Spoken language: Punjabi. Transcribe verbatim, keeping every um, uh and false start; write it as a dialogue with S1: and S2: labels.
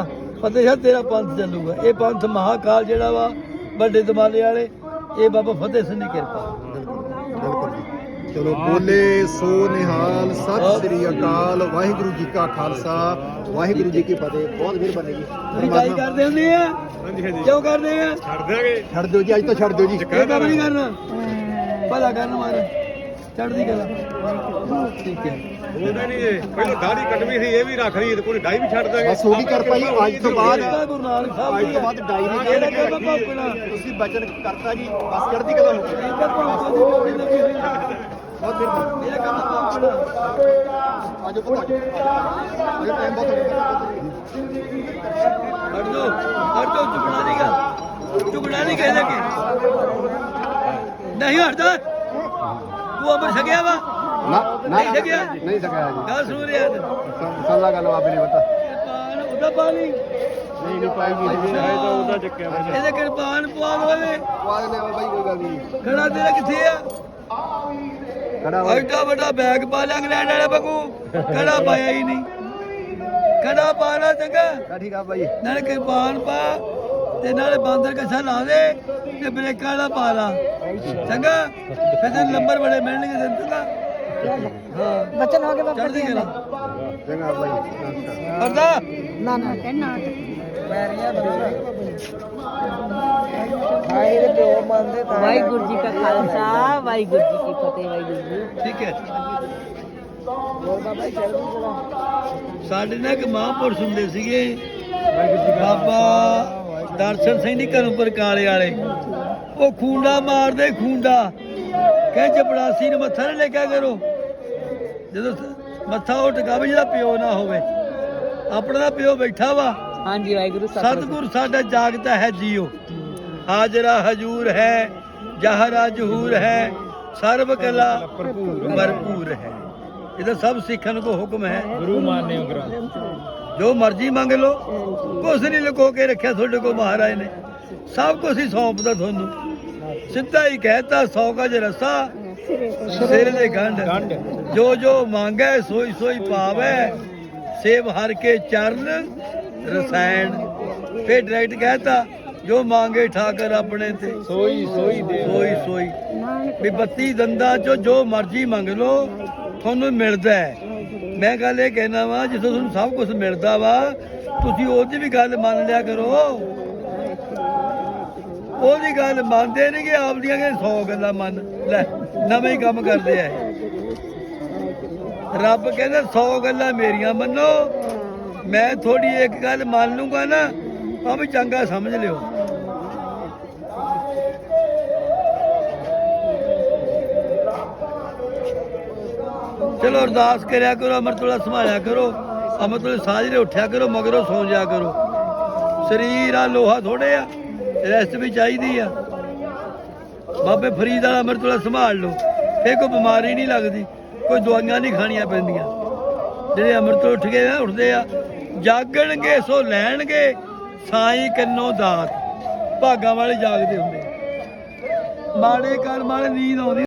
S1: ਫਤਿਹ ਸ਼ਾਹ ਤੇਰਾ ਪੰਥ ਚੱਲੂਗਾ। ਇਹ ਪੰਥ ਮਹਾਕਾਲ ਜਿਹੜਾ ਵਾ ਵੱਡੇ ਦਮਾਲੇ ਵਾਲੇ, ਇਹ ਬਾਬਾ ਫਤਿਹ ਸਿੰਘ ਦੀ ਕਿਰਪਾ।
S2: ਬਿਲਕੁਲ ਜੀ। ਚਲੋ ਬੋਲੇ ਸੋ ਨਿਹਾਲ, ਸਤਿ ਸ੍ਰੀ ਅਕਾਲ, ਵਾਹਿਗੁਰੂ ਜੀ ਕਾ ਖਾਲਸਾ, ਵਾਹਿਗੁਰੂ ਜੀ ਕੀ ਫਤਿਹ। ਬਹੁਤ ਮਿਹਰਬਾਨੀ ਜੀ।
S1: ਰਿਕਾਈ ਕਰਦੇ ਹੁੰਦੇ ਆ?
S3: ਹਾਂਜੀ ਹਾਂਜੀ
S1: ਕਿਉਂ ਕਰਦੇ ਆ?
S3: ਛੱਡ ਦਿਆਂਗੇ।
S2: ਛੱਡ ਦਿਓ ਜੀ, ਅੱਜ ਤਾਂ ਛੱਡ ਦਿਓ ਜੀ।
S1: ਇਹ ਕੰਮ ਨਹੀਂ ਕਰਨਾ, ਭਲਾ ਕਰਨ ਮਾਰ ਚੜ੍ਹਦੀ ਕਲਾ। ਠੀਕ ਹੈ,
S3: ਬੋਲਦੇ ਨਹੀਂ ਜੇ ਪਹਿਲਾਂ ਦਾੜੀ ਕੱਟਵੀ ਸੀ, ਇਹ ਵੀ ਰੱਖ ਲਈ ਤੇ ਕੋਈ ਡਾਈ ਵੀ ਛੱਡ ਦਾਂਗੇ।
S2: ਬਸ ਹੋ ਗਈ ਕਿਰਪਾ ਜੀ। ਅੱਜ ਤੋਂ ਬਾਅਦ
S1: ਇਹ ਗੁਰੂ ਨਾਨਕ ਸਾਹਿਬ
S2: ਅੱਜ
S1: ਦੀ
S2: ਤੋਂ
S1: ਹੈ।
S2: ਬਾਅਦ ਡਾਈ ਨਹੀਂ
S1: ਇਹਦਾ ਕੰਮ ਭੌਂਕਣਾ।
S2: ਤੁਸੀਂ ਬਚਨ ਕਰਤਾ ਜੀ, ਬਸ ਚੜ੍ਹਦੀ ਕਲਾ ਹੋ ਗਈ।
S1: ਇਹਦਾ ਭੌਂਕਣ ਦੀ ਲੋੜ ਹੀ ਨਹੀਂ ਹੋਈ।
S2: ਬਹੁਤ ਮਿਹਰਬਾਨੀ।
S1: ਇਹਦਾ ਕੰਮ ਭੌਂਕਣਾ।
S2: ਆਜੋ ਪੁੱਤ ਆਜੋ। ਇਹ ਟਾਈਮ ਬਹੁਤ ਹੋ ਗਿਆ।
S1: ਹਟ ਜਾਓ, ਹਟ ਜਾਓ, ਝੁਕਣਾ ਨਹੀਂ ਗਾ, ਝੁਕਣਾ ਨਹੀਂ ਕਿਸੇ ਅੱਗੇ। ਨਹੀਂ ਹਟਦਾ। ਤੂੰ ਅਮਰ ਛਕਿਆ ਵਾ?
S2: ਨਾ
S1: ਨਹੀਂ ਛਕਿਆ?
S2: ਨਹੀਂ ਸਕਿਆ ਜੀ।
S1: ਗੱਲ ਸੁਣ ਰਿਹਾ ਤੇ
S2: ਸੱਲਾ ਗੱਲ ਬਾਬੇ ਨੇ ਪਤਾ
S1: ਕਿਰਪਾਨ ਉਹਦਾ ਪਾਣੀ
S2: ਨਹੀਂ ਨਹੀਂ ਪਾਏਗੀ
S1: ਉਹਦਾ ਚੱਕਿਆ ਇਹਦੇ ਕਿਰਪਾਨ ਪਵਾ ਲਵੇ।
S2: ਪਾ ਦਿੰਦੇ ਆ ਬਾਬਾ ਜੀ, ਕੋਈ ਗੱਲ ਨਹੀਂ।
S1: ਖੜਾ ਤੇਰਾ ਕਿੱਥੇ ਆ?
S2: ਖੜਾ ਹੋ।
S1: ਐਡਾ ਵੱਡਾ ਬੈਗ ਪਾ ਲਿਆ ਇੰਗਲੈਂਡ ਵਾਲਾ ਬੱਗੂ, ਖੜਾ ਪਾਇਆ ਹੀ ਨਹੀਂ। ਖੜਾ ਪਾਣਾ ਚੰਗਾ,
S2: ਠੀਕ ਆ ਬਾਈ।
S1: ਨਾਲੇ ਕਿਰਪਾਨ ਪਾ ਤੇ ਨਾਲੇ ਬਾਂਦਰ ਕੱਛਾ ਲਾ ਦੇ ਤੇ ਬ੍ਰੇਕਾਂ ਵਾਲਾ ਪਾ ਲਾ, ਚੰਗਾ। ਫਿਰ ਤੈਨੂੰ ਨੰਬਰ ਬੜੇ ਮਿਲਣਗੇ ਤੈਨੂੰ, ਚੰਗਾ। ਹਾਂ,
S4: ਬਚਨ ਹੋ ਗਏ ਬਾਬਾ
S1: ਚੜ੍ਹਦੀ ਕਲਾ।
S2: ਚੰਗਾ ਬਾਈ, ਨਮਸਕਾਰ।
S1: ਕਰਦਾ
S4: ਨਾ ਨਾ ਕਹਿਣਾ ਵੈਰੀਆਂ ਵਾਹਿਗੁਰੂ ਜੀ ਕਾ ਖਾਲਸਾ, ਵਾਹਿਗੁਰੂ ਜੀ ਕੀ ਫਤਿਹ। ਵਾਹਿਗੁਰੂ ਜੀ।
S1: ਠੀਕ ਹੈ।
S4: ਬੋਲ ਬਾਬਾ ਜੀ ਚੜ੍ਹਦੀ ਕਲਾ।
S1: ਸਾਡੇ ਨਾਲ ਇੱਕ ਮਹਾਂਪੁਰਸ਼ ਹੁੰਦੇ ਸੀਗੇ, ਬਾਬਾ ਦਰਸ਼ਨ ਸਿੰਘ ਦੀ ਘਰੋਂ ਪਰਕਾਲੇ ਵਾਲੇ। ਉਹ ਖੂੰਡਾ ਮਾਰਦੇ, ਖੂੰਡਾ ਕਹੇ ਚਪੜਾਸੀ ਨੂੰ ਮੱਥਾ ਨਾ ਲੇਕਿਆ ਕਰੋ। ਜਦੋਂ ਮੱਥਾ ਉਹ ਟਿਕਾਵੇ ਜਿਹਦਾ ਪਿਓ ਨਾ ਹੋਵੇ, ਆਪਣਾ ਦਾ ਪਿਓ ਬੈਠਾ ਵਾ।
S4: ਹਾਂਜੀ ਵਾਹਿਗੁਰੂ
S1: ਸਤਿਗੁਰ ਸਾਡਾ ਜਾਗਦਾ ਹੈ ਜੀਓ, ਹਾਜ਼ਰਾ ਹਜੂਰ ਹੈ, ਜਹਰਾ ਜਹੂਰ ਹੈ, ਸਰਬ ਕਲਾ ਭਰਪੂਰ ਹੈ। ਇਹਦਾ ਸਭ ਸਿੱਖਣ ਕੋ ਹੁਕਮ ਹੈ।
S3: ਗੁਰੂ ਮਾਨਿਓ ਗ੍ਰੰਥ
S1: ਜੋ ਮਰਜ਼ੀ ਮੰਗ ਲਓ, ਕੁਛ ਨਹੀਂ ਲੁਕੋ ਕੇ ਰੱਖਿਆ ਤੁਹਾਡੇ ਕੋਲ ਮਹਾਰਾਜ ਨੇ। ਸਭ ਕੁਛ ਹੀ ਸੌਂਪਦਾ ਤੁਹਾਨੂੰ। ਸਿੱਧਾ ਹੀ ਕਹਿਤਾ, ਸੌ ਗਜ ਰਸਾ ਸਿਰ ਦੇ ਗੰਢ, ਜੋ ਜੋ ਮੰਗੈ ਸੋਈ ਸੋਈ ਪਾਵੈ, ਸੇਵ ਹਰ ਕੇ ਚਰਨ ਰਸਾਇਣ। ਫਿਰ ਡਾਇਰੈਕਟ ਕਹਿਤਾ, ਜੋ ਮੰਗੇ ਠਾਕਰ ਆਪਣੇ ਤੇ
S3: ਸੋਈ ਸੋਈ ਦੇ
S1: ਸੋਈ ਸੋਈ। ਵੀ ਬੱਤੀ ਦੰਦਾਂ ਚੋਂ ਜੋ ਮਰਜ਼ੀ ਮੰਗ ਲਓ, ਤੁਹਾਨੂੰ ਮਿਲਦਾ ਹੈ। ਮੈਂ ਗੱਲ ਇਹ ਕਹਿਣਾ ਵਾ, ਜਿੱਥੋਂ ਤੁਹਾਨੂੰ ਸਭ ਕੁਝ ਮਿਲਦਾ ਵਾ, ਤੁਸੀਂ ਉਹਦੀ ਵੀ ਗੱਲ ਮੰਨ ਲਿਆ ਕਰੋ। ਉਹਦੀ ਗੱਲ ਮੰਨਦੇ ਨਹੀਂ ਕਿ ਆਪਦੀਆਂ ਕਿ ਸੌ ਗੱਲਾਂ ਮੰਨ ਲੈ, ਨਵੇਂ ਹੀ ਕੰਮ ਕਰਦੇ ਆ। ਰੱਬ ਕਹਿੰਦਾ ਸੌ ਗੱਲਾਂ ਮੇਰੀਆਂ ਮੰਨੋ, ਮੈਂ ਥੋੜੀ ਇੱਕ ਗੱਲ ਮੰਨ ਲੂੰਗਾ ਨਾ, ਆ ਵੀ ਚੰਗਾ ਸਮਝ ਲਿਓ। ਚਲੋ ਅਰਦਾਸ ਕਰਿਆ ਕਰੋ, ਅੰਮ੍ਰਿਤ ਵੇਲਾ ਸੰਭਾਲਿਆ ਕਰੋ, ਅੰਮ੍ਰਿਤ ਵੇਲੇ ਸਾਜਰੇ ਉੱਠਿਆ ਕਰੋ, ਮਗਰੋਂ ਸੌਂ ਜਾ ਕਰੋ। ਸਰੀਰ ਆ ਲੋਹਾ ਥੋੜੇ ਆ, ਰੈਸਟ ਵੀ ਚਾਹੀਦੀ ਆ। ਬਾਬੇ ਫਰੀਦ ਵਾਲਾ ਅੰਮ੍ਰਿਤ ਵੇਲਾ ਸੰਭਾਲ ਲਓ, ਫੇਰ ਕੋਈ ਬਿਮਾਰੀ ਨਹੀਂ ਲੱਗਦੀ, ਕੋਈ ਦਵਾਈਆਂ ਨਹੀਂ ਖਾਣੀਆਂ ਪੈਂਦੀਆਂ। ਜਿਹੜੇ ਅੰਮ੍ਰਿਤ ਉੱਠ ਕੇ ਨਾ ਉੱਠਦੇ ਆ, ਜਾਗਣਗੇ ਸੋ ਲੈਣਗੇ ਸਾਈਂ ਕੰਨੋਂ ਦਾਤ। ਭਾਗਾਂ ਵਾਲੇ ਜਾਗਦੇ ਹੁੰਦੇ, ਮਾੜੇ ਕਰਮ ਵਾਲੇ ਨੀਂਦ ਆਉਂਦੀ।